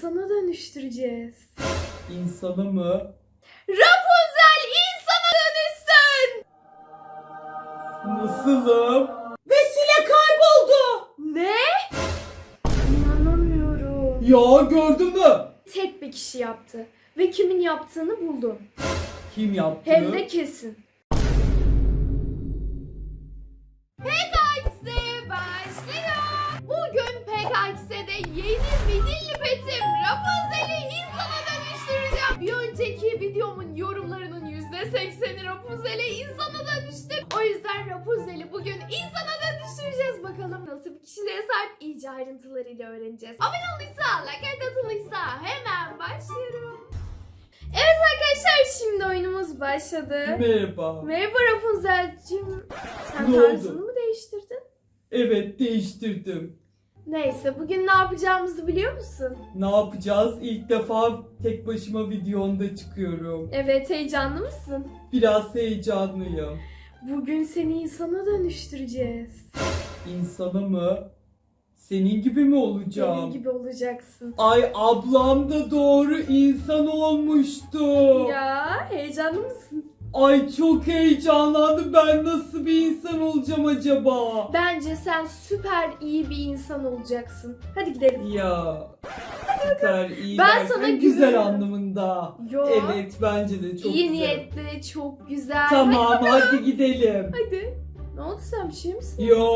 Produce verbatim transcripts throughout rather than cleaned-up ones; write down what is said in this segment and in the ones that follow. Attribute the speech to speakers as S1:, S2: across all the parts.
S1: insana dönüştüreceğiz.
S2: İnsana mı?
S1: Rapunzel insana dönüşsün!
S2: Nasılım? Vesile kayboldu.
S1: Ne? İnanamıyorum.
S2: Ya gördün mü?
S1: Tek bir kişi yaptı. Ve kimin yaptığını buldum.
S2: Kim yaptı?
S1: Hem de kesin. P K X'de başlıyor. Bugün P K X'de yeni midilli petim Rapunzel'i insana dönüştüreceğim. Bir önceki videomun yorumlarının yüzde sekseni Rapunzel'i insana dönüştü. O yüzden Rapunzel'i bugün insana dönüştüreceğiz. Bakalım nasıl bir kişiliğe sahip, iyice ayrıntılarıyla öğreneceğiz. Abone olduysa, like atılıysa hemen başlıyorum. Evet arkadaşlar, şimdi oyunumuz başladı.
S2: Merhaba.
S1: Merhaba Rapunzel'cim. Sen
S2: Ne
S1: tarzını
S2: oldu?
S1: mı değiştirdin?
S2: Evet, değiştirdim.
S1: Neyse, bugün ne yapacağımızı biliyor musun?
S2: Ne yapacağız? İlk defa tek başıma videonda çıkıyorum.
S1: Evet, heyecanlı mısın?
S2: Biraz heyecanlıyım.
S1: Bugün seni insana dönüştüreceğiz.
S2: İnsana mı? Senin gibi mi olacağım?
S1: Benim gibi olacaksın.
S2: Ay, ablam da doğru insan olmuştu.
S1: Ya, heyecanlı mısın?
S2: Ay, çok heyecanlandım. Ben nasıl bir insan olacağım acaba?
S1: Bence sen süper iyi bir insan olacaksın. Hadi gidelim.
S2: Ya süper iyi
S1: Ben
S2: derken
S1: sana
S2: güzel
S1: güveniyorum.
S2: anlamında.
S1: Yo.
S2: Evet, bence de çok
S1: iyi
S2: güzel.
S1: niyetli, çok güzel.
S2: Tamam,
S1: Hadi.
S2: hadi gidelim.
S1: Hadi. Ne oldu, sen bir şey misin?
S2: Yo,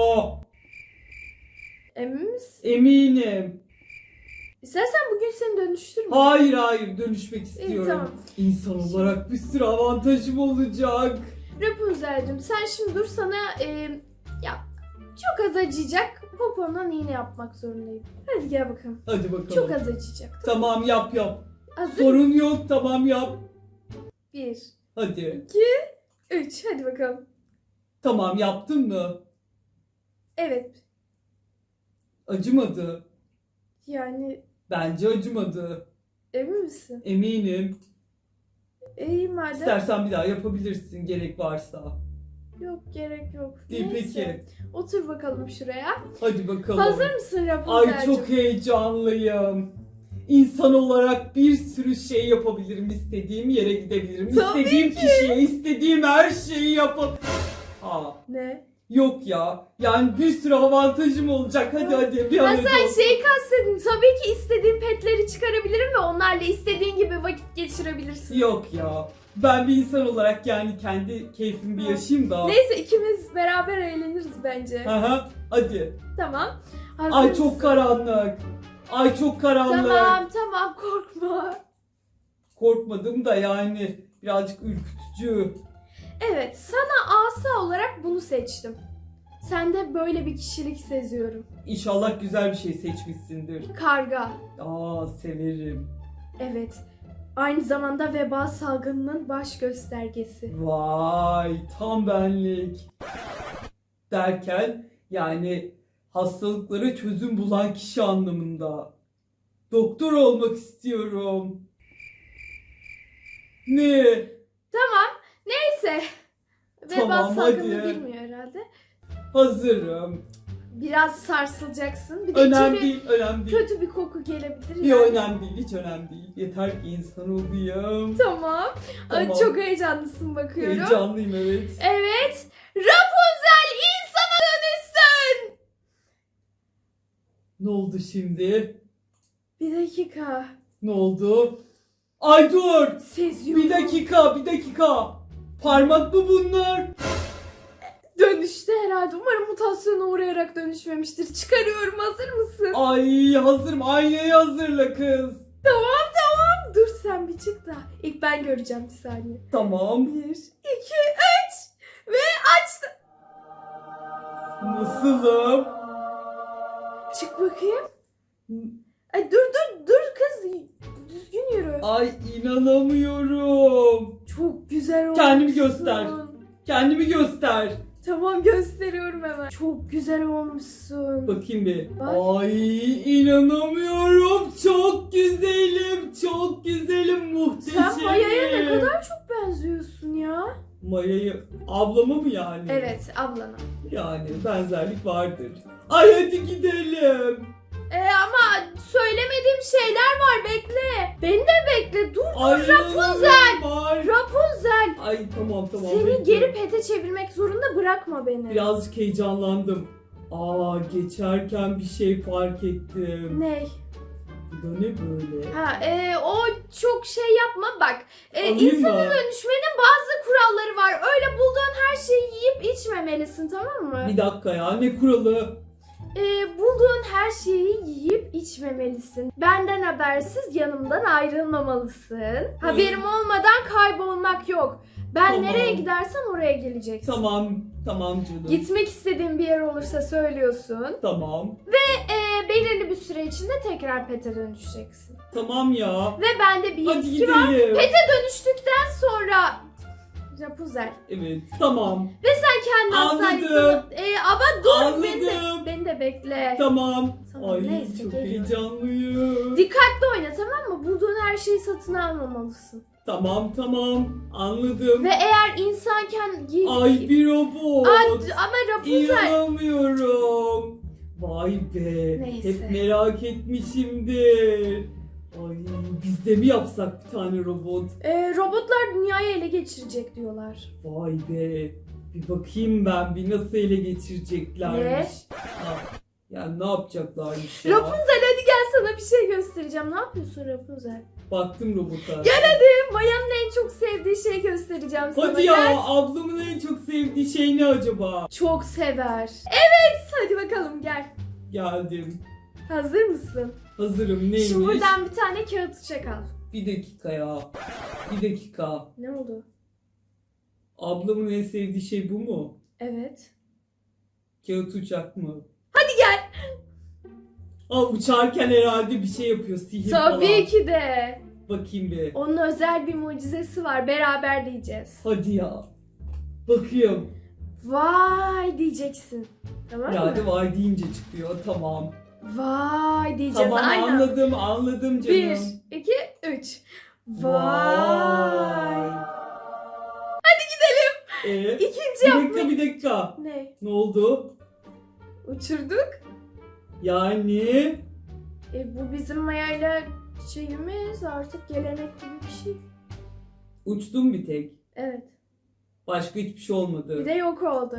S1: Emin misin?
S2: eminim.
S1: İstersen bugün seni dönüştürme.
S2: Hayır hayır, dönüşmek istiyorum.
S1: tamam.
S2: İnsan olarak bir sürü avantajım olacak.
S1: Rapunzel'cim, sen şimdi dur, sana e, ya çok az acıyacak. Popondan iğne yapmak zorundayım. Hadi gel bakalım.
S2: Hadi bakalım.
S1: Çok az acıyacak.
S2: Tamam, yap yap.
S1: Hazır
S2: Sorun yok, tamam yap.
S1: Bir,
S2: Hadi.
S1: iki, üç. Hadi bakalım.
S2: Tamam, yaptın mı?
S1: Evet.
S2: Acımadı.
S1: Yani
S2: Bence acımadı.
S1: emin misin?
S2: Eminim.
S1: İyi madem.
S2: İstersen bir daha yapabilirsin gerek varsa.
S1: Yok, gerek yok.
S2: İyi,
S1: Neyse.
S2: peki.
S1: Otur bakalım şuraya.
S2: Hadi bakalım.
S1: Hazır mısın Rapunzel'cim?
S2: Ay, çok heyecanlıyım. İnsan olarak bir sürü şey yapabilirim. İstediğim yere gidebilirim.
S1: Tabii
S2: istediğim
S1: ki.
S2: kişiye istediğim her şeyi yapabilirim. Aa,
S1: Ne?
S2: yok ya. Yani bir sürü avantajım olacak. Hadi
S1: Yok.
S2: hadi bir
S1: Ha,
S2: an önce
S1: sen
S2: olsun.
S1: şeyi kastedin. Tabii ki istediğin petleri çıkarabilirim ve onlarla istediğin gibi vakit geçirebilirsin.
S2: Yok ya. Ben bir insan olarak yani kendi keyfimi bir yaşayayım da.
S1: Neyse, ikimiz beraber eğleniriz bence.
S2: Aha, hadi.
S1: Tamam. Hazır
S2: Ay,
S1: mısın?
S2: çok karanlık. Ay, çok karanlık.
S1: Tamam tamam, korkma.
S2: Korkmadım da yani birazcık ürkütücü.
S1: Evet, sana asa olarak bunu seçtim. Sende böyle bir kişilik seziyorum.
S2: İnşallah güzel bir şey seçmişsindir.
S1: Karga.
S2: Aa, severim.
S1: Evet. Aynı zamanda veba salgınının baş göstergesi.
S2: Vay, tam benlik. Derken yani hastalıklara çözüm bulan kişi anlamında. Doktor olmak istiyorum. Ne?
S1: Tamam. Neyse. Veba
S2: Tamam,
S1: salgını
S2: hadi.
S1: bilmiyor herhalde.
S2: Hazırım.
S1: Biraz sarsılacaksın. Bir de
S2: Önemli
S1: içeri
S2: değil, önemli değil.
S1: kötü bir koku gelebilir.
S2: Yok,
S1: yani.
S2: önemli değil, hiç önemli değil. Yeter ki insan olayım.
S1: Tamam. Ay,
S2: Tamam.
S1: çok heyecanlısın bakıyorum.
S2: Heyecanlıyım, evet.
S1: Evet. Rapunzel insana dönüşsün.
S2: Ne oldu şimdi?
S1: Bir dakika.
S2: Ne oldu? Ay dur!
S1: Seziyorum.
S2: Bir dakika, bir dakika. Parmak mı bunlar?
S1: Dönüştü herhalde. Umarım mutasyona uğrayarak dönüşmemiştir. Çıkarıyorum. Hazır mısın?
S2: Ay, hazırım. Aynayı hazırla kız.
S1: Tamam tamam. Dur sen bir çık da. İlk ben göreceğim, bir saniye.
S2: Tamam.
S1: Bir, iki, üç. Ve açtım.
S2: Nasılım?
S1: Çık bakayım. Ay dur dur dur kız. Düzgün yürü.
S2: Ay, inanamıyorum.
S1: Çok güzel olmuşsun.
S2: Kendimi göster. Kendimi göster.
S1: Tamam, gösteriyorum hemen. Çok güzel olmuşsun.
S2: Bakayım bir.
S1: Bak.
S2: Ay, inanamıyorum. Çok güzelim. Çok güzelim. Muhteşem.
S1: Sen Maya'ya ne kadar çok benziyorsun ya.
S2: Maya'yı ablama mı yani?
S1: Evet, ablana.
S2: Yani benzerlik vardır. Ay, hadi gidelim.
S1: Ee, ama söylemediğim şeyler var
S2: Rapunzel. Var.
S1: Rapunzel.
S2: Ay tamam tamam.
S1: Seni
S2: bekle.
S1: geri pete çevirmek zorunda bırakma beni.
S2: Birazcık heyecanlandım. Aa geçerken bir şey fark ettim.
S1: Ne?
S2: Bu da ne böyle?
S1: Ha, e, o çok şey yapma bak. E,
S2: Alayım
S1: insana
S2: mı?
S1: dönüşmenin bazı kuralları var. Öyle bulduğun her şeyi yiyip içmemelisin, tamam mı?
S2: Bir dakika ya, ne kuralı?
S1: E, bulduğun her şeyi yiyip içmemelisin. Benden habersiz yanımdan ayrılmamalısın. Haberim olmadan kaybolmak yok. Ben
S2: Tamam.
S1: nereye gidersem oraya geleceksin.
S2: Tamam tamam canım.
S1: Gitmek istediğin bir yer olursa söylüyorsun.
S2: Tamam.
S1: E, belirli bir süre içinde tekrar pete dönüşeceksin.
S2: Tamam ya.
S1: Ve bende bir
S2: Hadi
S1: yetki var.
S2: gidelim.
S1: Pete dönüştükten sonra Rapunzel.
S2: Evet tamam.
S1: Ve sen kendi
S2: Anladım.
S1: hastanesini... E, ama dur beni de,
S2: Anladım.
S1: beni de bekle.
S2: Tamam.
S1: Tamam,
S2: Ay
S1: neyse,
S2: çok
S1: geliyorum.
S2: heyecanlıyım.
S1: Dikkatli oyna, tamam mı? Bulduğun her şeyi satın almamalısın.
S2: Tamam tamam anladım.
S1: Ve eğer insanken...
S2: Ay bir robot.
S1: Aa, ama Rapunzel...
S2: İnanamıyorum. Vay be.
S1: Neyse.
S2: Hep merak etmişimdir. Ay biz de mi yapsak bir tane robot?
S1: E, robotlar dünyayı ele geçirecek diyorlar.
S2: Vay be. Bir bakayım ben bir nasıl ele geçireceklermiş.
S1: Ne?
S2: Ha, yani ne yapacaklarmış ya?
S1: Rapunzel hadi gel, sana bir şey göstereceğim. Ne yapıyorsun Rapunzel?
S2: Baktım robota.
S1: Gel hadi. Maya'nın en çok sevdiği şeyi göstereceğim sana.
S2: Hadi ya,
S1: Gel.
S2: ablamın en çok sevdiği şey ne acaba?
S1: Çok sever. Evet, hadi bakalım gel.
S2: Geldim.
S1: Hazır mısın?
S2: Hazırım, neymiş?
S1: Şimdi buradan bir tane kağıt uçak al.
S2: Bir dakika ya. Bir dakika.
S1: Ne oldu?
S2: Ablamın en sevdiği şey bu mu?
S1: Evet.
S2: Kağıt uçak mı?
S1: Hadi gel.
S2: Aa, uçarken herhalde bir şey yapıyor, sihir falan.
S1: Tabii ki de.
S2: Bakayım bir.
S1: Onun özel bir mucizesi var. Beraber diyeceğiz.
S2: Hadi ya. Bakıyorum.
S1: Vay diyeceksin. Tamam mı?
S2: Yani vay deyince çıkıyor, tamam.
S1: Vay diyeceğiz.
S2: Tamam
S1: Aynen.
S2: anladım, anladım canım.
S1: Bir, iki, üç. Vay.
S2: Vay.
S1: Hadi gidelim.
S2: Ee,
S1: İkinci
S2: bir
S1: yapmak.
S2: dakika bir dakika.
S1: Ne?
S2: Ne oldu?
S1: Uçurduk.
S2: Yani
S1: E, bu bizim Maya'yla şeyimiz, artık gelenek gibi bir şey.
S2: uçtum bir tek.
S1: Evet.
S2: Başka hiçbir şey olmadı.
S1: Bir de yok oldu.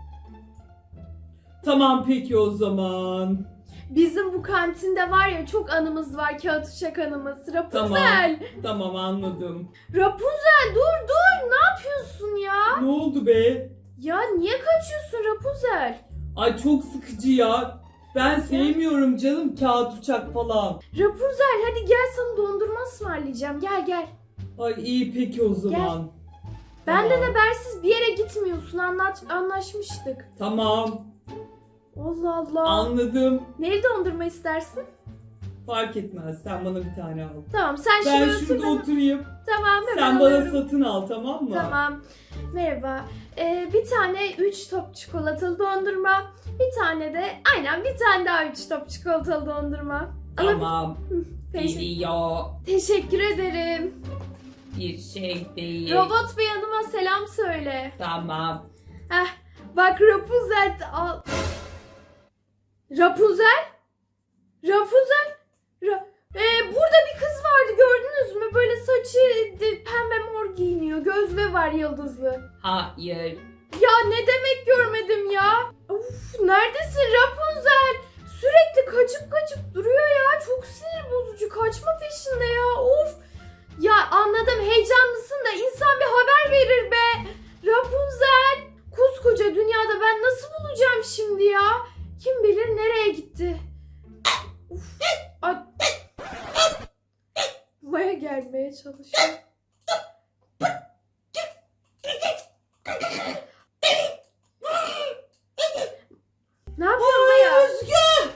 S2: Tamam peki o zaman.
S1: Bizim bu kantinde var ya, çok anımız var, kağıt uçak anımız. Rapunzel.
S2: Tamam anladım.
S1: Rapunzel dur dur, ne yapıyorsun ya?
S2: Ne oldu be?
S1: Ya niye kaçıyorsun Rapunzel?
S2: Ay çok sıkıcı ya. Ben sevmiyorum canım kağıt uçak falan.
S1: Rapunzel hadi gel, sana dondurma ısmarlayacağım, gel gel.
S2: Ay iyi peki o zaman.
S1: Benden
S2: Tamam.
S1: habersiz bir yere gitmiyorsun, anlaş anlaşmıştık.
S2: Tamam
S1: Allah Allah.
S2: anladım.
S1: Neli dondurma istersin?
S2: Fark etmez, sen bana bir tane al.
S1: Tamam sen
S2: Ben
S1: şurada otur.
S2: şurada
S1: ben-
S2: oturayım.
S1: Tamam hemen
S2: Sen bana
S1: alıyorum.
S2: satın al, tamam mı?
S1: Tamam. Merhaba. Ee, bir tane üç top çikolatalı dondurma. Bir tane de aynen bir tane daha üç top çikolatalı dondurma.
S2: Tamam.
S1: Teşekkür,
S2: Geliyor.
S1: teşekkür ederim.
S2: Bir şey değil.
S1: Robot bey hanıma selam söyle.
S2: Tamam.
S1: Heh, bak Rapunzel al. Rapunzel? Rapunzel? Ra ee, burada bir kız vardı, gördünüz mü? Böyle saçı de- pembe mor giyiniyor. Gözlüğü var yıldızlı.
S2: Hayır.
S1: Ya ne demek görmedim ya? Uf, neredesin Rapunzel? Sürekli kaçıp kaçıp duruyor ya. Çok sinir bozucu. Kaçma peşinde ya. Of. Ya anladım, heyecanlısın da insan bir haber verir be. Rapunzel. Koskoca dünyada ben nasıl bulacağım şimdi ya? Kim bilir nereye gitti? Uf. Ay. Maya gelmeye çalışıyor. Ne yapıyorsun Maya?
S2: Özgü!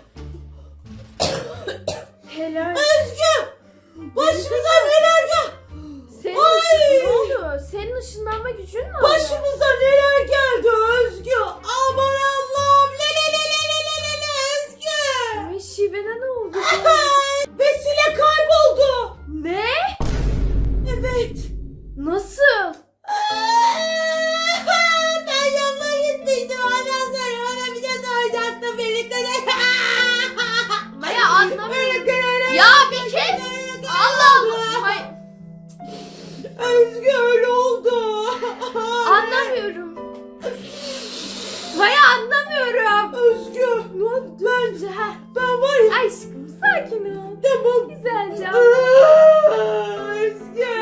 S1: Helal.
S2: Özgü! Başımıza neler geldi?
S1: Senin
S2: Ay!
S1: ışın ne oldu? Senin ışınlanma gücün mü oldu?
S2: Başımıza neler geldi Özgü? Aman Allah'ım! Le le le le le le le le Özgü!
S1: Ay şivene ne oldu?
S2: Vesile kayboldu.
S1: Ne?
S2: Evet.
S1: Nasıl?
S2: Ben yanına gittiydim. Ondan sonra bana bir de soracaktı birlikte de.
S1: Maya anlamıyorum. Ya bir kez. Allah Allah. May-
S3: çabuk.
S1: Güzelce.
S3: Aa, Özgü.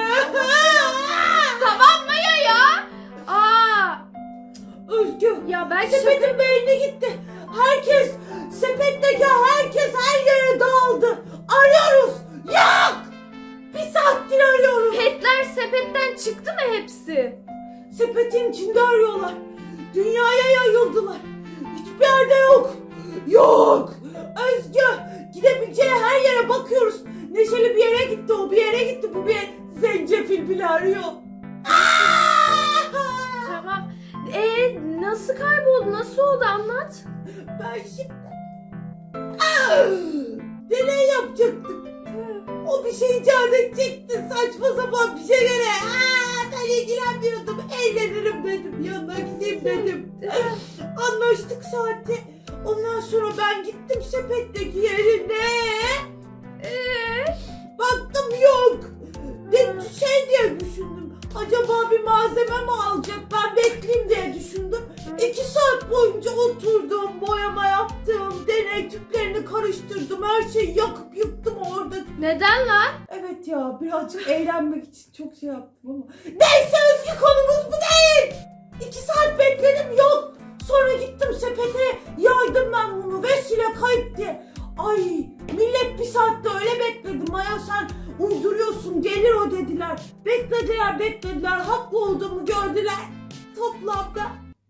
S1: Tamam Maya ya. Aa,
S3: Özgü.
S1: ya belki şaka-
S3: Sepetin beyni gitti. Herkes, sepetteki herkes her yere dağıldı. Arıyoruz. Yok. Bir saattir arıyoruz.
S1: petler sepetten çıktı mı hepsi?
S3: Sepetin içinde arıyorlar. Dünyaya yayıldılar. Hiçbir yerde yok. Yok. Özgü. Gidebileceği her yere bakıyoruz. Neşeli bir yere gitti. O bir yere gitti. Bu bir yere. Zencefil bile arıyor. Aa!
S1: Tamam. Ee, nasıl kayboldu? Nasıl oldu? Anlat.
S3: Ben şimdi Aa! deney yapacaktık. O bir şey icat edecekti. Saçma sapan bir şeylere. Aa, ben ilgilenmiyordum. Eğlenirim dedim. Yanına gideyim dedim. Anlaştık saatte. Ondan sonra ben gittim sepetteki yerine.
S1: Ee,
S3: Baktım yok. Ne şey diye düşündüm. Acaba bir malzeme mi alacak? Ben bekleyeyim diye düşündüm. İki saat boyunca oturdum, boyama yaptım, deney tüplerini karıştırdım, her şeyi yakıp yıktım orada.
S1: neden lan?
S3: Evet ya, birazcık eğlenmek için çok şey yaptım ama. Neyse Özgü, konumuz bu değil. İki saat bekledim, yok. Sonra gittim sepete, yaydım ben bunu, vesile kayıp diye. Ay, millet bir saatte öyle bekledi. Maya sen uyduruyorsun, gelir o dediler. Beklediler, beklediler, haklı olduğumu gördüler. Toplamda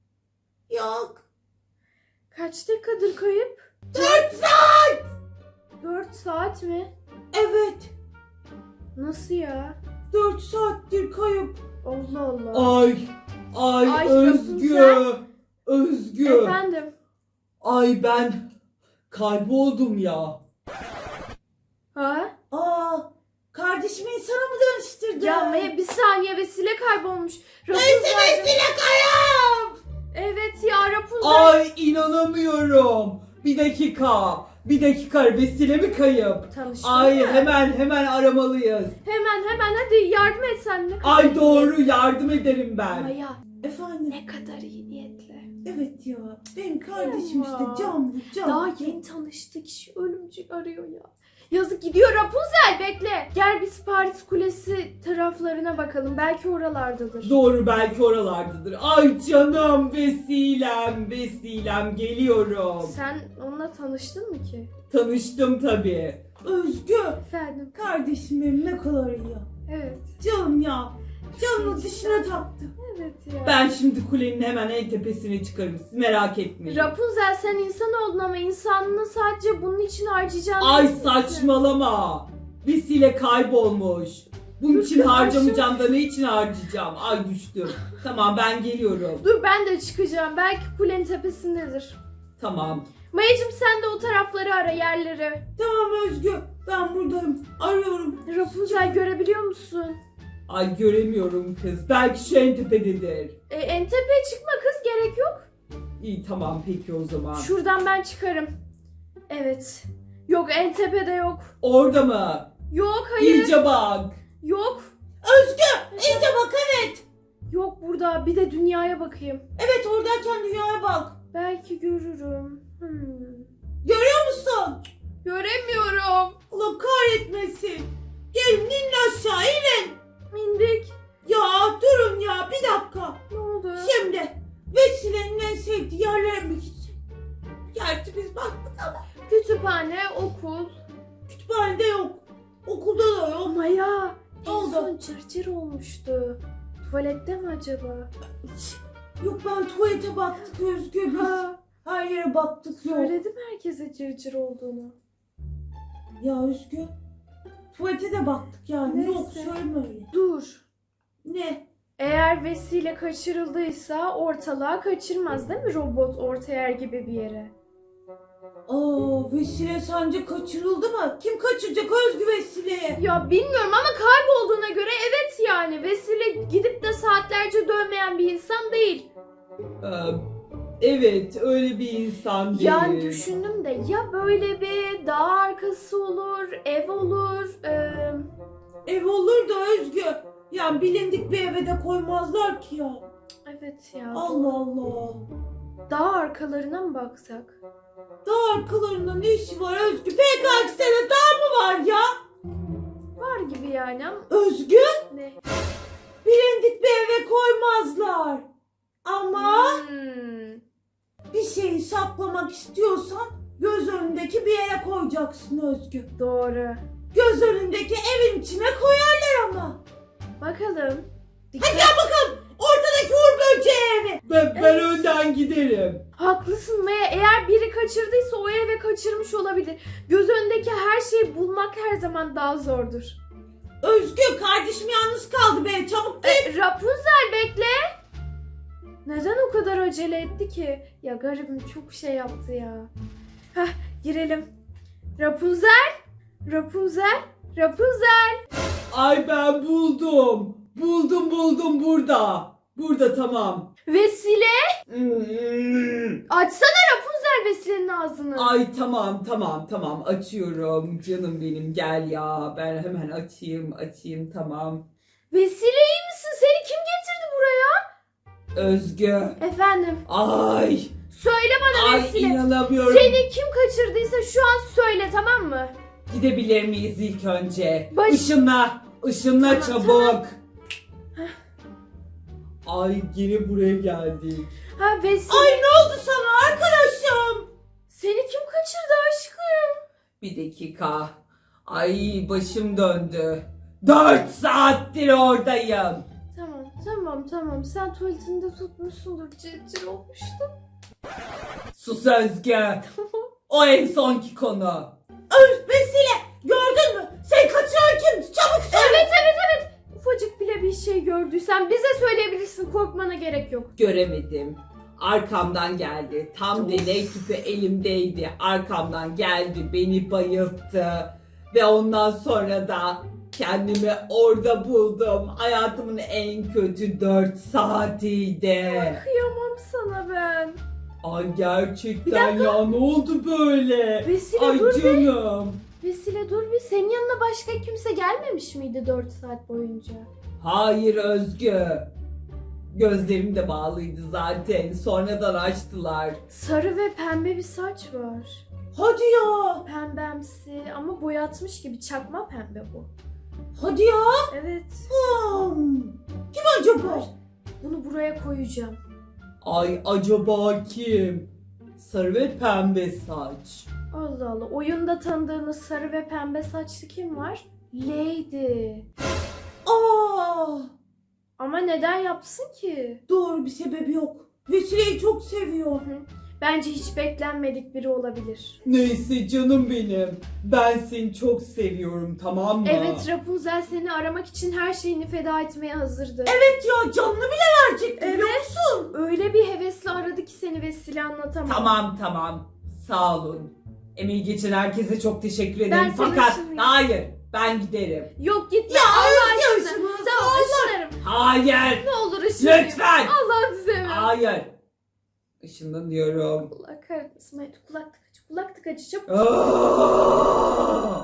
S3: yok.
S1: Kaç dakikadır kayıp?
S3: Dört saat.
S1: Dört saat mi?
S3: Evet,
S1: Nasıl ya?
S3: dört saattir kayıp.
S1: Allah Allah.
S2: Ay, ay,
S1: Ay,
S2: Özgü,
S1: Rapunzel.
S2: Özgü.
S1: Efendim?
S2: Ay ben kayboldum ya.
S1: Ha?
S3: Aa, kardeşimi insana mı dönüştürdü?
S1: Ya Maya bir saniye vesile kaybolmuş.
S3: Neyse
S1: Rapunzel.
S3: vesile kayıp.
S1: Evet ya Rapunzel.
S2: Ay inanamıyorum. Bir dakika, bir dakika vesile mi kayıp?
S1: Tanıştın
S2: Ay
S1: mı?
S2: hemen hemen aramalıyız.
S1: Hemen hemen hadi yardım et sen. Ne kadar
S2: Ay
S1: iyi.
S2: doğru yardım ederim ben.
S1: Maya
S3: Efendim?
S1: ne kadar iyi niyetli.
S3: Evet ya, benim kardeşim
S1: Ya.
S3: işte canlı canlı.
S1: Daha yeni tanıştık, kişi ölümcül arıyor ya. Yazık, gidiyor Rapunzel, bekle. Gel biz Paris Kulesi taraflarına bakalım. Belki oralardadır.
S2: Doğru belki oralardadır. Ay canım vesilem, vesilem geliyorum.
S1: Sen onunla tanıştın mı ki?
S2: Tanıştım tabii.
S3: Özgü,
S1: Efendim.
S3: kardeşim benim ne kadar iyi ya.
S1: Evet.
S3: Canım ya, canını dişine taktı.
S1: Evet ya.
S2: Ben şimdi kulenin hemen en tepesine çıkarım. Siz merak etmeyin.
S1: Rapunzel sen insan oldun ama insanlığını sadece bunun için harcayacağını
S2: Ay
S1: bilirsin.
S2: saçmalama. Vesile kaybolmuş. Bunun
S1: Dur
S2: için
S1: kız,
S2: harcamayacağım da ne için harcayacağım? Ay düştüm. Tamam ben geliyorum.
S1: Dur ben de çıkacağım. Belki kulenin tepesindedir.
S2: Tamam.
S1: Mayacım sen de o tarafları ara, yerleri.
S3: Tamam Özgü, ben buradayım. Arıyorum.
S1: Rapunzel görebiliyor musun?
S2: Ay göremiyorum kız. Belki şu en tepededir.
S1: E, en tepeye çıkma kız, gerek yok.
S2: İyi tamam peki o zaman.
S1: Şuradan ben çıkarım. Evet. Yok, en tepede yok.
S2: Orada mı?
S1: Yok, hayır.
S2: İyice bak.
S1: Yok.
S3: Özgü, iyice bak, evet.
S1: Yok burada. Bir de dünyaya bakayım.
S3: Evet, oradayken dünyaya bak.
S1: Belki görürüm. Hmm.
S3: Görüyor musun?
S1: Göremiyorum.
S3: Allah kahretmesin. Gelin inin aşağı, inin.
S1: İndik.
S3: Ya durun ya, bir dakika.
S1: Ne oldu?
S3: Şimdi Vesile'nin en sevdiği yerlere mi gidecek? Gerçi biz baktık ama
S1: Kütüphane, okul.
S3: kütüphanede yok. Okulda da yok.
S1: Maya.
S3: Ne
S1: En
S3: oldu?
S1: son cırcır olmuştu. Tuvalette mi acaba?
S3: Yok, ben tuvalete baktık Özgü, biz.
S1: Ha,
S3: Her yere baktık, yok.
S1: söyledim herkese cırcır olduğunu.
S3: Ya Özgü, tuvalete de baktık yani.
S1: Neyse.
S3: Yok, söyleme öyle.
S1: Dur.
S3: Ne?
S1: Eğer vesile kaçırıldıysa ortalığa kaçırmaz değil mi robot orta gibi bir yere?
S3: Aa, Vesile sence kaçırıldı mı? Kim kaçıracak Özgü Vesile'ye?
S1: Ya bilmiyorum ama kaybolduğuna göre evet yani. Vesile gidip de saatlerce dönmeyen bir insan değil.
S2: Ee, evet öyle bir insan değil.
S1: Yani düşündüm de ya böyle bir dağ arkası olur, ev olur. eee,
S3: Ev olur da Özgü. Yani bilindik bir eve de koymazlar ki ya.
S1: evet ya.
S3: Allah Allah.
S1: Dağ arkalarına mı baksak?
S3: Daha arkalarında ne işi var Özgü? P K X'de daha mı var ya?
S1: Var gibi yani ama
S3: Özgü,
S1: ne?
S3: bilindik bir eve koymazlar. Ama
S1: Hmm.
S3: bir şeyi saklamak istiyorsan göz önündeki bir yere koyacaksın Özgü.
S1: Doğru.
S3: Göz önündeki evin içine koyarlar ama.
S1: Bakalım.
S3: Hadi
S1: Dikkat.
S3: gel bakalım ortadaki Uğur Böceği evi.
S2: Ben, ben
S1: Evet.
S2: önden giderim.
S1: Haklısın Maya. Eğer biri kaçırdıysa o eve kaçırmış olabilir. Göz önündeki her şeyi bulmak her zaman daha zordur.
S3: Özgü, kardeşim yalnız kaldı be, çabuk gel.
S1: E, Rapunzel bekle. Neden o kadar acele etti ki? Ya garibim çok şey yaptı ya. Hah, girelim. Rapunzel. Rapunzel. Rapunzel.
S2: Ay ben buldum. Buldum buldum burada. Burada tamam.
S1: Vesile.
S2: Hmm.
S1: Açsana Rapunzel Vesile'nin ağzını.
S2: Ay tamam tamam tamam açıyorum. Canım benim gel ya. Ben hemen açayım açayım tamam.
S1: Vesile iyi misin? Seni kim getirdi buraya?
S2: Özgü.
S1: Efendim.
S2: Ay.
S1: Söyle bana
S2: Ay
S1: Vesile.
S2: inanamıyorum.
S1: Seni kim kaçırdıysa şu an söyle, tamam mı?
S2: Gidebilir miyiz ilk önce?
S1: Baş-
S2: Işınla. Işınla
S1: Tamam,
S2: çabuk. Ay yine buraya geldik.
S1: Ha Vesile.
S3: Ay ne oldu sana arkadaşım?
S1: Seni kim kaçırdı aşkım?
S2: Bir dakika. Ay başım döndü. Dört saattir oradayım.
S1: Tamam tamam tamam. Sen tuvaletinde tutmuşsundur. Cır cır olmuştu.
S2: Sus Özgü. O en sonki konu.
S3: Öz Vesile, gördün mü? Sen kaçıran kim? Çabuk söyle.
S1: Evet evet evet. Ufacık bile bir şey gördüysen bize söyleyebilirsin. Korkmana gerek yok.
S2: Göremedim. Arkamdan geldi. Tam deney tüpü elimdeydi. Arkamdan geldi. Beni bayılttı. Ve ondan sonra da kendimi orada buldum. Hayatımın en kötü dört saatiydi.
S1: Kıyamam sana ben.
S2: Ay
S1: Bir
S2: gerçekten
S1: dakika.
S2: ya ne oldu böyle?
S1: Vesile
S2: Ay
S1: dur bir.
S2: canım.
S1: Vesile dur bir. Senin yanına başka kimse gelmemiş miydi dört saat boyunca?
S2: Hayır Özgü. Gözlerim de bağlıydı zaten. Sonradan açtılar.
S1: Sarı ve pembe bir saç var.
S3: Hadi ya.
S1: Pembemsi ama boyatmış gibi, çakma pembe bu.
S3: Hadi ya.
S1: Evet.
S3: Hmm. Kim acaba?
S1: Bunu buraya koyacağım.
S2: Ay acaba kim? Sarı ve pembe saç.
S1: Allah Allah. Oyunda tanıdığınız sarı ve pembe saçlı kim var? Lady.
S3: Aa,
S1: Ama neden yapsın ki?
S3: doğru, bir sebebi yok. Vesile'yi çok seviyor.
S1: Bence hiç beklenmedik biri olabilir.
S2: Neyse canım benim. Ben seni çok seviyorum tamam mı?
S1: Evet, Rapunzel seni aramak için her şeyini feda etmeye hazırdı.
S3: Evet ya, canını bile verecekti biliyor
S1: Evet.
S3: musun?
S1: Öyle bir hevesle aradı ki seni Vesile, anlatamam.
S2: Tamam tamam. Sağ olun. Emeği geçen herkese çok teşekkür ederim.
S1: Ben seni
S2: Fakat
S1: ışınlayayım.
S2: hayır ben giderim.
S1: Yok gitme.
S3: Ya
S1: Allah
S3: Özge
S1: aşkına.
S3: ışınlasın.
S1: Tamam, ışınlarım.
S2: Hayır.
S1: Ne olur ışınlayayım.
S2: Lütfen.
S1: Allah'ını seversen.
S2: Hayır. Işınlanıyorum.
S1: Allah kahretmesin. Haydi kulak tıkacı. Kulak tıkacı çabuk.
S2: Aa!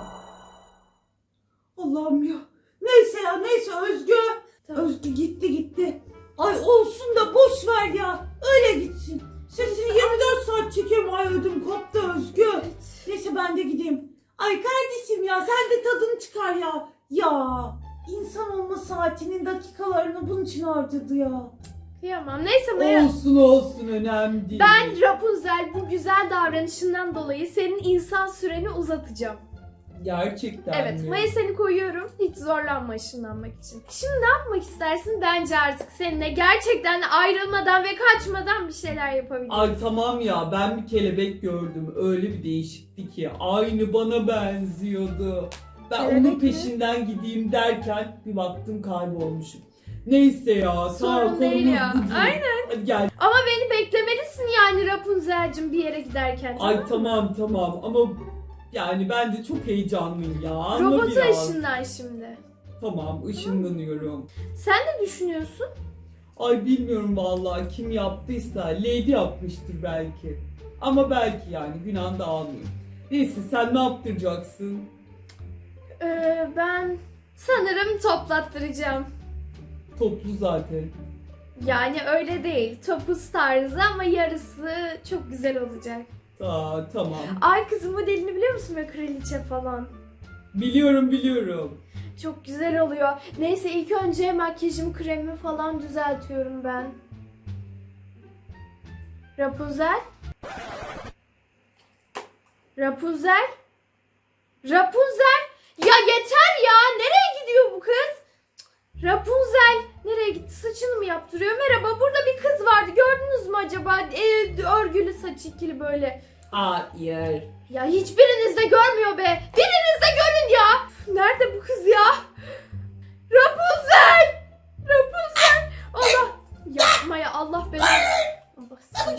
S3: Allah'ım ya. Neyse ya, neyse Özgü.
S1: Tamam.
S3: Özgü gitti gitti. Ay olsun da boş ver ya. Öyle gitsin. Sesini yirmi dört saat çekiyorum. Ay ödüm koptu Özgü.
S1: Evet.
S3: Neyse ben de gideyim. Ay kardeşim ya, sen de tadını çıkar ya. Ya insan olma saatinin dakikalarını bunun için harcadı ya.
S1: Kıyamam. Neyse Maya.
S2: Olsun olsun önemli değil.
S1: Ben Rapunzel bu güzel davranışından dolayı senin insan süreni uzatacağım.
S2: Gerçekten
S1: Evet,
S2: mi?
S1: Maya seni koyuyorum. Hiç zorlanma ışınlanmak için. Şimdi ne yapmak istersin? Bence artık seninle gerçekten ayrılmadan ve kaçmadan bir şeyler yapabiliriz.
S2: Ay tamam ya ben bir kelebek gördüm. Öyle bir değişikti ki. Aynı bana benziyordu. Ben
S1: Kelebek
S2: onun
S1: mi?
S2: peşinden gideyim derken bir baktım kaybolmuşum. Neyse ya sağ ol,
S1: Sorun değil
S2: konumuz
S1: ya.
S2: bu değil.
S1: Aynen.
S2: Hadi gel.
S1: Ama beni beklemelisin yani Rapunzel'cim bir yere giderken.
S2: Ay
S1: mı?
S2: tamam tamam ama yani ben de çok heyecanlıyım ya. Anla
S1: Robota
S2: biraz.
S1: ışınlan şimdi.
S2: Tamam ışınlanıyorum.
S1: Sen ne düşünüyorsun?
S2: Ay bilmiyorum vallahi kim yaptıysa Lady yapmıştır belki. Ama belki yani günah da almayayım. Neyse sen ne yaptıracaksın?
S1: Ee, ben sanırım toplattıracağım.
S2: Toplu zaten.
S1: Yani öyle değil. Topuz tarzı ama yarısı çok güzel olacak.
S2: Aa, tamam.
S1: Ay kızın modelini biliyor musun be, kraliçe falan?
S2: Biliyorum biliyorum.
S1: Çok güzel oluyor. Neyse ilk önce makyajımı, kremimi falan düzeltiyorum ben. Rapunzel? Rapunzel? Rapunzel? Ya yeter ya! Nereye gidiyor bu kız? Cık, Rapunzel! Nereye gitti? Saçını mı yaptırıyor? Merhaba, burada bir kız vardı. Gördünüz mü acaba? Ee, örgülü saç ikili böyle.
S2: Hayır.
S1: Ya hiçbiriniz de görmüyor be. Biriniz de görün ya. Üf, nerede bu kız ya? Rapunzel! Rapunzel! Allah! Yapma ya, Allah beni. Allah seni.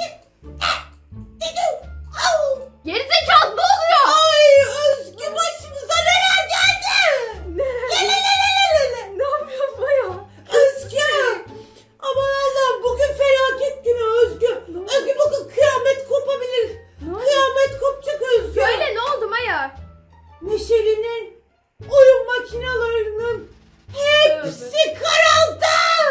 S1: Gerizekalı, ne oluyor?
S3: Ay Özgü, başımıza neler geldi?
S1: Ne yapıyorsun Maya?
S3: Özgü. Aman Allah'ım, bugün felaket günü Özgü.
S1: Ne oldu?
S3: Özgü, bugün kıyamet kopabilir.
S1: Ne oldu?
S3: Kıyamet kopacak Özgü.
S1: Söyle, ne oldu Maya?
S3: Neşeli'nin oyun makinalarının hepsi kırıldı.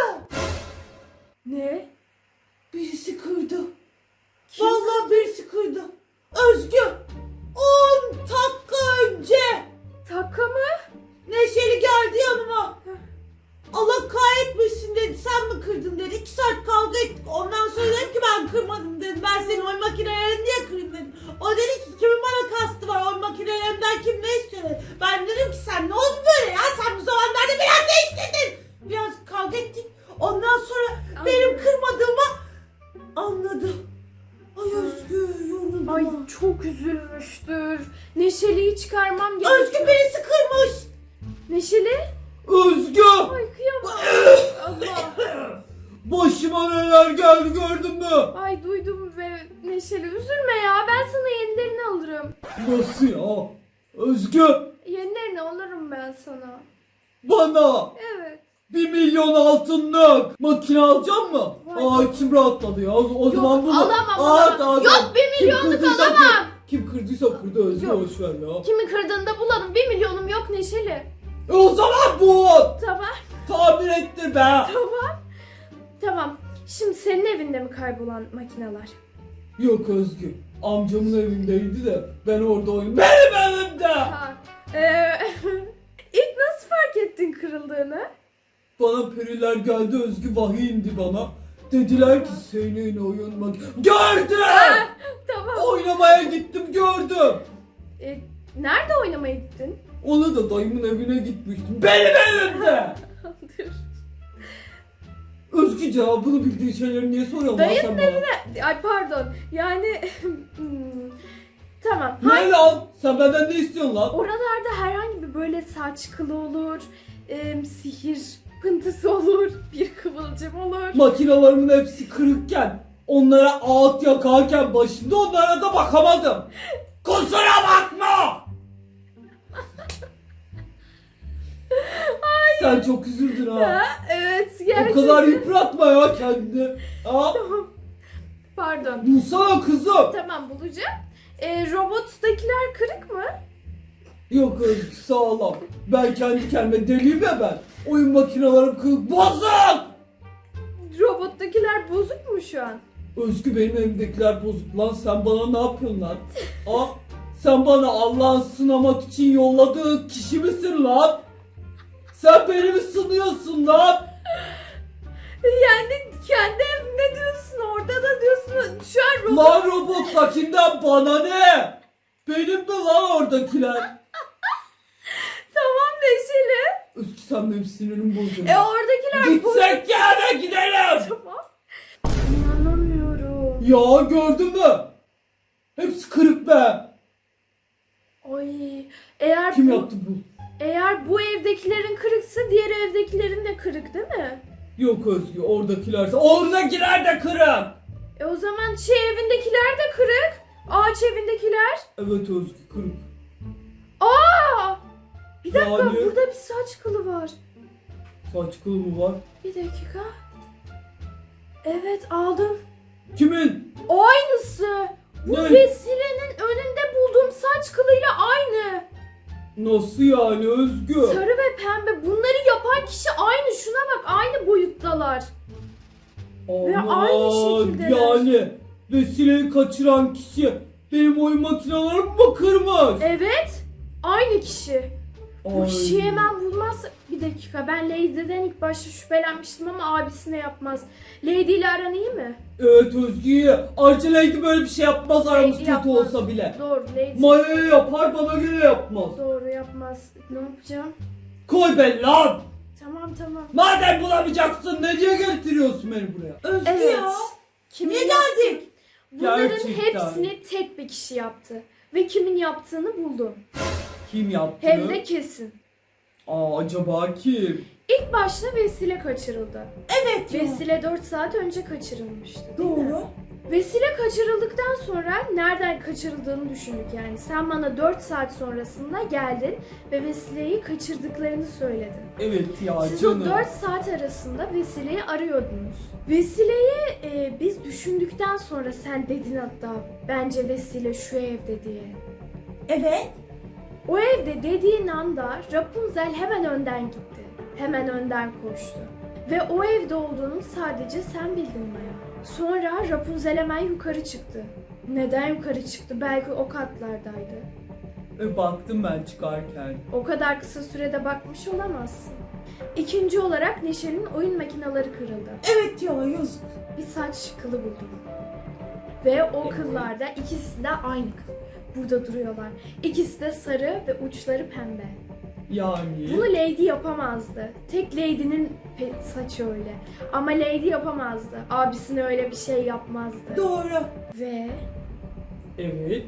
S1: Ne?
S3: Birisi kırdı.
S1: Kim?
S3: Vallahi birisi kırdı. Özgü, on dakika önce
S1: Taka mı?
S3: Neşeli geldi yanıma. Allah kahretmesin dedi. Sen mi kırdın dedi. İki saat kavga ettik. Ondan sonra dedim ki ben kırmadım dedim. Ben senin oyun makinelerini niye kırayım dedim. O dedi ki kimin bana kastı var oyun makinelerimden, kim ne istiyor dedi. Ben dedim ki sen ne oldu böyle ya, sen bu zamanlarda biraz değiştirdin. Biraz kavga ettik. Ondan sonra
S1: Ay.
S3: benim kırmadığımı anladı. Ay Özgür, yoruldum.
S1: Ay çok üzülmüştür. Neşeli'yi çıkarmam gerekiyor.
S3: Özgür, birisi kırmış.
S1: Neşeli?
S2: Özgü!
S1: Ay kıyamam. Allah.
S2: Başıma neler geldi gördün mü?
S1: Ay duydum ve Neşeli, üzülme ya, ben sana yenilerini alırım.
S2: Nasıl ya? Özgü!
S1: Yenilerini alırım ben sana.
S2: Bana
S1: Evet.
S2: bir milyon altınlık makine alacak mı?
S1: Vay
S2: Aa,
S1: be.
S2: içim rahatladı ya. O, o zaman bunu...
S1: alamam,
S2: Aa,
S1: alamam.
S2: tamam,
S1: Yok,
S2: tamam.
S1: bir
S2: Kim
S1: milyonluk
S2: kırdıysa
S1: alamam.
S2: kır- Kim kırdıysa kırdı Özgü,
S1: Yok.
S2: boşver ya.
S1: Kimi kırdığında bulalım. Bir milyonum yok Neşeli.
S2: E o zaman bu!
S1: Tamam.
S2: Tahmin ettir be!
S1: Tamam. Tamam. Şimdi senin evinde mi kaybolan makineler?
S2: Yok Özgü. Amcamın evindeydi de ben orada oyun... Benim evimde!
S1: Ha. Ee, ilk nasıl fark ettin kırıldığını?
S2: Bana periler geldi Özgü, vahiy indi bana. Dediler ki senin oyun mak... Gördüm!
S1: Tamam.
S2: Oynamaya gittim gördüm.
S1: Ee, nerede oynamaya gittin?
S2: Ona da dayımın evine gitmiştim. Benim evimde!
S1: Dur.
S2: Özgü cevabını bildiğin şeyleri niye soruyorsun lan
S1: Dayının
S2: sen bana?
S1: Ay pardon. Yani hmm, tamam.
S2: Ne lan? Sen benden ne istiyorsun lan?
S1: Oralarda herhangi bir böyle saç kılı olur, em, sihir pıntısı olur, bir kıvılcım olur.
S2: Makinalarımın hepsi kırıkken, onlara ağıt yakarken başında onlara da bakamadım. Kusura bakma! Sen çok üzüldün ha.
S1: Ha, evet
S2: O
S1: gerçekten.
S2: kadar yıpratma ya kendini. Ha?
S1: Pardon.
S2: Bulsana kızım.
S1: Tamam, bulacağım. Ee, robottakiler kırık mı?
S2: Yok Özgü, sağlam. Ben kendi kendime deliyim ya ben. Oyun makinelerim kırık, bozuk.
S1: Robottakiler bozuk mu şu an?
S2: Özgü, benim evimdekiler bozuk lan. Sen bana ne yapıyorsun lan? Ha? Sen bana Allah'ın sınamak için yolladığı kişi misin lan? Sen beni mi sınıyorsun lan?
S1: Yani kendi evinde diyorsun, orada da diyorsun. Şu an robot...
S2: Lan robottakinden bana ne? Benim mi lan oradakiler?
S1: Tamam Neşeli.
S2: Özgü, sen benim sinirimi bozuyorsun.
S1: E oradakiler bozuk.
S2: Gitsek yana gidelim.
S1: Tamam. İnanamıyorum.
S2: Ya gördün mü? Hepsi kırık be.
S1: Ay, eğer
S2: Kim
S1: bu,
S2: yaptı bu?
S1: eğer bu evdekilerin kırıksa diğer evdekilerin de kırık değil mi?
S2: Yok Özgü, oradakiler. Oradakiler de kırık.
S1: E o zaman şey evindekiler de kırık. Ağaç evindekiler.
S2: Evet Özgü, kırık.
S1: Aa! Bir dakika,
S2: Yani-
S1: burada bir saç kılı var.
S2: Saç kılı mı var?
S1: Bir dakika. Evet, aldım.
S2: Kimin?
S1: Aynısı. Bu
S2: Ne?
S1: Vesile'nin önünde bulduğum saç kılıyla aynı.
S2: Nasıl yani Özgü?
S1: Sarı ve pembe. Bunları yapan kişi aynı. Şuna bak, aynı boyuttalar. Ve
S2: Aman,
S1: aynı şekildeler.
S2: yani Vesile'yi kaçıran kişi Benim oyun makinalarım mı kırmış?
S1: Evet. Aynı kişi. Bu
S2: Ay.
S1: kişiyi hemen bulmazsa... Bir dakika, ben Lady'den ilk başta şüphelenmiştim ama abisine yapmaz. Lady ile aran iyi mi?
S2: Evet Özgü. Ayrıca Lady böyle bir şey yapmaz aramız
S1: Lady
S2: kötü
S1: yapmaz.
S2: olsa bile.
S1: Doğru, Lady.
S2: Maya'ya yapar bana göre yapmaz.
S1: Doğru, yapmaz. Ne yapacağım?
S2: Koy beni lan.
S1: Tamam tamam.
S2: Madem bulamayacaksın ne diye getiriyorsun beni buraya?
S3: Özgü
S1: Evet.
S3: ya.
S1: Kimin
S3: Niye
S1: yaptı-
S3: geldik?
S1: Bunların
S2: Gerçekten.
S1: hepsini tek bir kişi yaptı. Ve kimin yaptığını buldum.
S2: Kim yaptı?
S1: Hem de kesin.
S2: Aa acaba kim?
S1: İlk başta Vesile kaçırıldı.
S3: Evet ya.
S1: Vesile dört saat önce kaçırılmıştı. değil mi?
S3: Doğru.
S1: Vesile kaçırıldıktan sonra nereden kaçırıldığını düşündük yani. Sen bana dört saat sonrasında geldin ve Vesile'yi kaçırdıklarını söyledin.
S2: Evet ya
S1: Siz
S2: canım.
S1: o dört saat arasında Vesile'yi arıyordunuz. Vesile'yi e, biz düşündükten sonra sen dedin hatta bence Vesile şu evde diye.
S3: Evet.
S1: O evde dediğin anda Rapunzel hemen önden gitti. Hemen önden koştu. Ve o evde olduğunu sadece sen bildin Maya. Sonra Rapunzel hemen yukarı çıktı. Neden yukarı çıktı? Belki o katlardaydı.
S2: E, baktım ben çıkarken.
S1: O kadar kısa sürede bakmış olamazsın. İkinci olarak Neşe'nin oyun makineleri kırıldı.
S3: Evet ya yazık.
S1: Bir saç kılı buldum. Ve o
S2: Evet.
S1: kıllarda ikisi de aynı kıl. Burada duruyorlar. İkisi de sarı ve uçları pembe.
S2: Yani.
S1: Bunu Lady yapamazdı. Tek Lady'nin pe- saçı öyle. Ama Lady yapamazdı. Abisine öyle bir şey yapmazdı.
S3: Doğru.
S1: Ve
S2: Evet.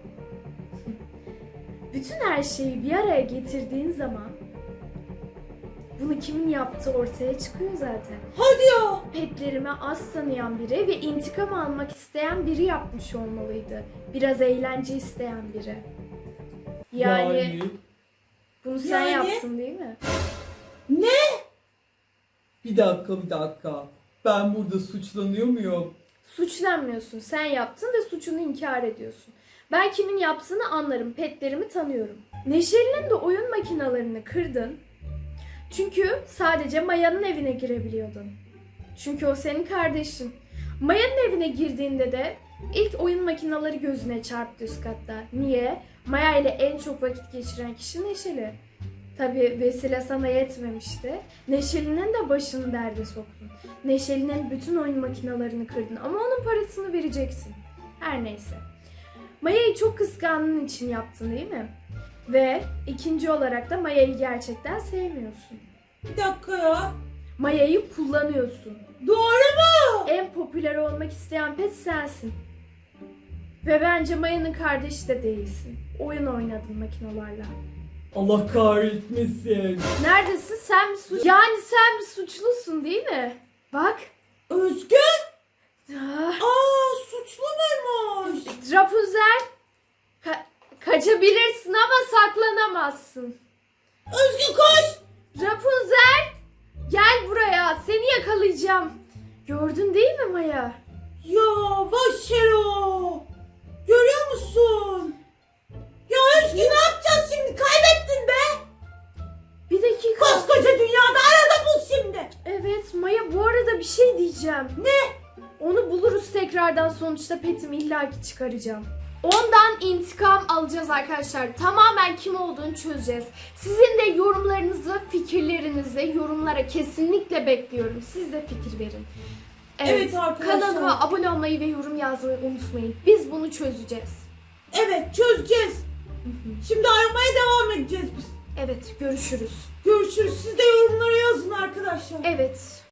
S1: bütün her şeyi bir araya getirdiğin zaman bunu kimin yaptığı ortaya çıkıyor zaten.
S3: Hadi ya.
S1: Petlerimi az tanıyan biri ve intikam almak isteyen biri yapmış olmalıydı. Biraz eğlence isteyen biri. Yani, bunu sen
S3: Yani?
S1: yaptın değil mi?
S2: Bir dakika bir dakika. Ben burada suçlanıyor muyum?
S1: Suçlanmıyorsun. Sen yaptın ve suçunu inkar ediyorsun. Ben kimin yaptığını anlarım. Petlerimi tanıyorum. Neşeli'nin de oyun makinalarını kırdın. Çünkü sadece Maya'nın evine girebiliyordun. Çünkü o senin kardeşin. Maya'nın evine girdiğinde de ilk oyun makinaları gözüne çarptı üst katta. Niye? Maya ile en çok vakit geçiren kişi Neşeli. Tabii Vesile sana yetmemişti. Neşeli'nin de başını derde soktun. Neşeli'nin bütün oyun makinalarını kırdın ama onun parasını vereceksin. Her neyse. Maya'yı çok kıskandığın için yaptın değil mi? Ve ikinci olarak da Maya'yı gerçekten sevmiyorsun.
S3: Bir dakika ya.
S1: Maya'yı kullanıyorsun.
S3: Doğru mu?
S1: En popüler olmak isteyen pet sensin. Ve bence Maya'nın kardeşi de değilsin. Oyun oynadın makinalarla.
S2: Allah kahretmesin.
S1: Neredesin? Sen mi suç... Yani sen mi suçlusun değil mi? Bak.
S3: Özgü.
S1: Ah,
S3: Aa suçlu muymuş?
S1: Rapunzel. Ka- kaçabilirsin ama saklanamazsın.
S3: Özgü koş.
S1: Rapunzel. Gel buraya. Seni yakalayacağım. Gördün değil mi Maya?
S3: Ya Başero. Görüyor musun? Ya Özgü ne yapacağız şimdi? Kaybettin be.
S1: Bir dakika.
S3: Koskoca dünyada arada bul şimdi.
S1: Evet Maya, bu arada bir şey diyeceğim.
S3: Ne?
S1: Onu buluruz tekrardan, sonuçta petimi illaki çıkaracağım. Ondan intikam alacağız arkadaşlar. Tamamen kim olduğunu çözeceğiz. Sizin de yorumlarınızı, fikirlerinizi yorumlara kesinlikle bekliyorum. Siz de fikir verin.
S3: Evet arkadaşlar.
S1: Kanalıma abone olmayı ve yorum yazmayı unutmayın. Biz bunu çözeceğiz.
S3: Evet çözeceğiz. Şimdi aramaya devam edeceğiz biz.
S1: Evet, görüşürüz.
S3: Görüşürüz. Siz de yorumlara yazın arkadaşlar.
S1: Evet.